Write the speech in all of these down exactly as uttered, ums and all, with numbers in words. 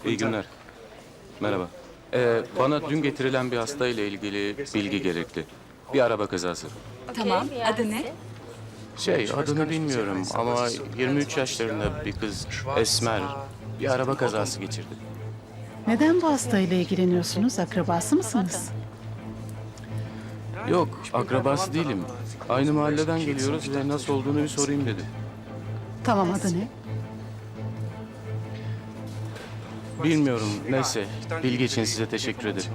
İyi günler. Merhaba. Ee, bana dün getirilen bir hasta ile ilgili bilgi gerekli. Bir araba kazası. Tamam. Adı ne? Şey, adını bilmiyorum ama yirmi üç yaşlarında bir kız, esmer, bir araba kazası geçirdi. Neden bu hastayla ilgileniyorsunuz? Akrabası mısınız? Yok, akrabası değilim. Aynı mahalleden geliyoruz ve nasıl olduğunu bir sorayım dedi. Tamam, adı ne? Bilmiyorum, neyse. Bilgi için size teşekkür ederim.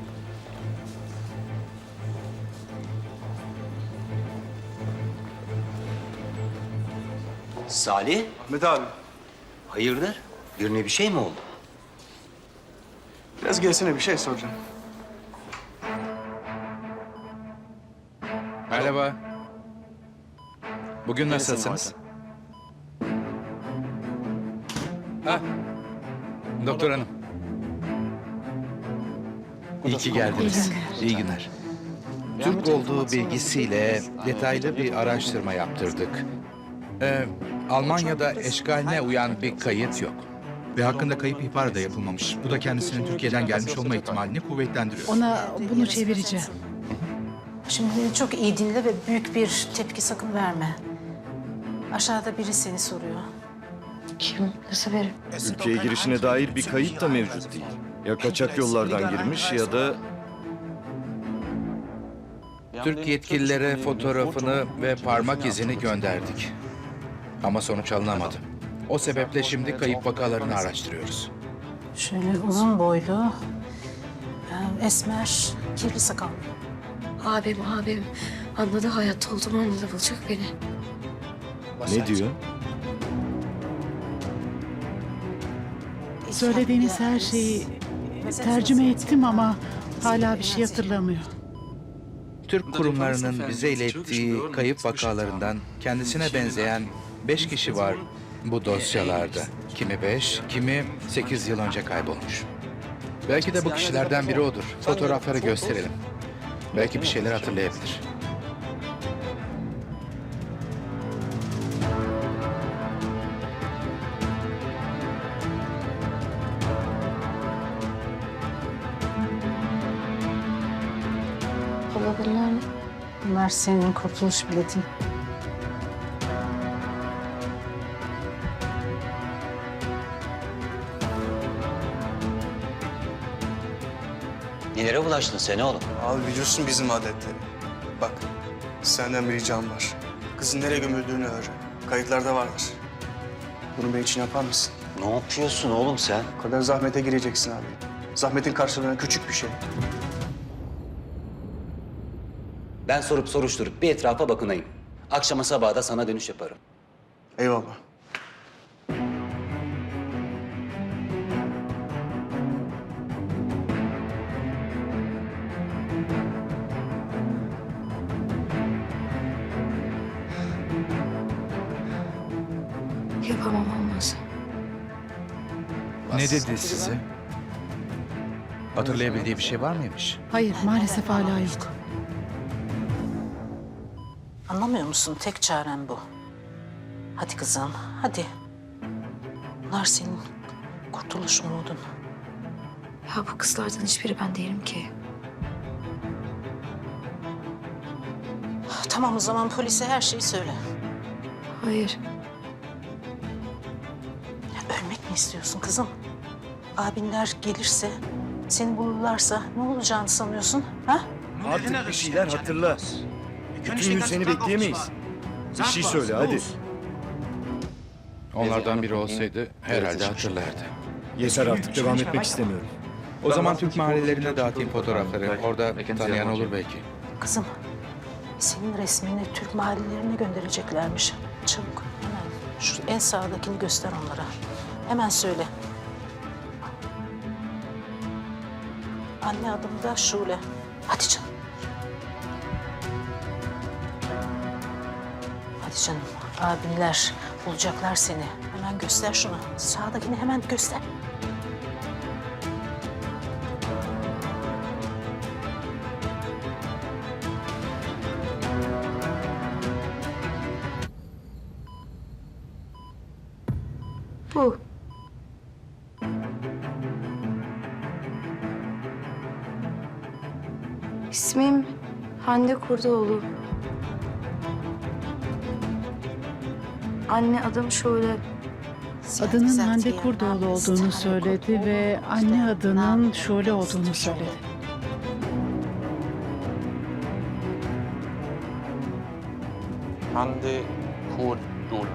Salih, Ahmet abi, hayırdır? Birine bir şey mi oldu? biraz gelsene bir şey soracağım. Merhaba. Bugün nasılsınız? Ha, doktor hanım. İyi ki geldiniz. İyi günler. Türk olduğu bilgisiyle detaylı bir araştırma yaptırdık. Ee, Almanya'da eşkaline uyan bir kayıt yok. Ve hakkında kayıp ihbarı da yapılmamış. Bu da kendisinin Türkiye'den gelmiş olma ihtimalini kuvvetlendiriyor. Ona bunu çevireceğim. Şimdi beni çok iyi dinle ve büyük bir tepki sakın verme. Aşağıda biri seni soruyor. Kim? Nasıl verir? Ülkeye girişine dair bir kayıt da mevcut değil. Ya kaçak yollardan girmiş ya da Türk yetkililere fotoğrafını ve parmak izini gönderdik. Ama sonuç alınamadı. O sebeple şimdi kayıp vakalarını araştırıyoruz. Şöyle uzun boylu, e, esmer, kirli sakallı. Abim, abim. Anladı, hayatta olduğumu anladı. Bulacak beni. ne diyor? Söylediğiniz her şeyi tercüme ettim ama hala bir şey hatırlamıyor. Türk kurumlarının bize ilettiği kayıp vakalarından kendisine benzeyen beş kişi var bu dosyalarda. Kimi beş, kimi sekiz yıl önce kaybolmuş. Belki de bu kişilerden biri odur. Fotoğrafları gösterelim. Belki bir şeyler hatırlayabilir. Baba bunlar ne? Bunlar senin kurtuluş biletin. Nelere bulaştın sen oğlum? Abi biliyorsun bizim adetleri. Bak, senden bir ricam var. Kızın nereye gömüldüğünü öğren. Kayıtlarda vardır. Bunu benim için yapar mısın? Ne yapıyorsun oğlum sen? O kadar zahmete gireceksin abi. Zahmetin karşılığında küçük bir şey. Ben sorup soruşturup bir etrafa bakınayım. Akşama sabaha da sana dönüş yaparım. Eyvallah. Yapamam, olmaz. Ne dedi size? Hatırlayabildiği bir şey var mıymış? Hayır, maalesef hala yok. Anlamıyor musun? Tek çaren bu. Hadi kızım, hadi. Bunlar senin kurtuluş umudun. Ya bu kızlardan hiçbiri ben değilim ki. Tamam o zaman polise her şeyi söyle. Hayır. Ya ölmek mi istiyorsun kızım? Abinler gelirse, seni bulurlarsa ne olacağını sanıyorsun? Ha? Artık bir şeyler hatırla. Bütün gün seni bekleyemeyiz. Bir şey söyle hadi. Onlardan biri olsaydı herhalde hatırlardı. Yeter artık devam etmek istemiyorum. O zaman Türk mahallelerine dağıtayım fotoğrafları. Orada tanıyan olur belki. Kızım, senin resmini Türk mahallelerine göndereceklermiş. Çabuk, hemen şu en sağdakini göster onlara. Hemen söyle. Anne adım da Şule. Hadi canım. Hadi canım, abinler bulacaklar seni. Hemen göster şunu. Sağdakini hemen göster. Bu. İsmim Hande Kurdoğlu. Anne adım şöyle. Adının Hande Kurdoğlu olduğunu söyledi ve anne adının Şule olduğunu söyledi. Hande Kurdoğlu.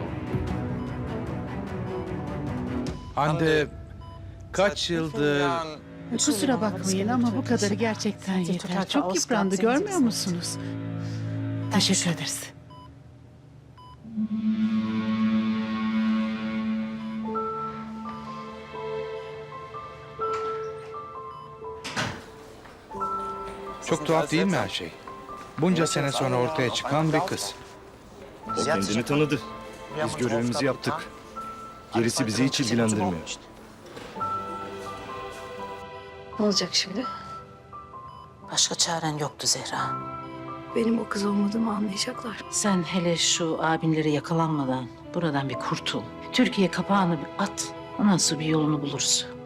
Hande kaç yıldır Kusura bakmayın ama bu kadarı gerçekten yeter. Çok yıprandı, görmüyor musunuz? Teşekkür ederiz. çok tuhaf değil mi her şey? Bunca sene sonra ortaya çıkan bir kız. O kendini tanıdı. Biz görevimizi yaptık. Gerisi bizi hiç ilgilendirmiyor. Ne olacak şimdi? Başka çaren yoktu Zehra. Benim o kız olmadığımı anlayacaklar. Sen hele şu abinlere yakalanmadan buradan bir kurtul. Türkiye kapağını bir at. Ondan sonra bir yolunu buluruz.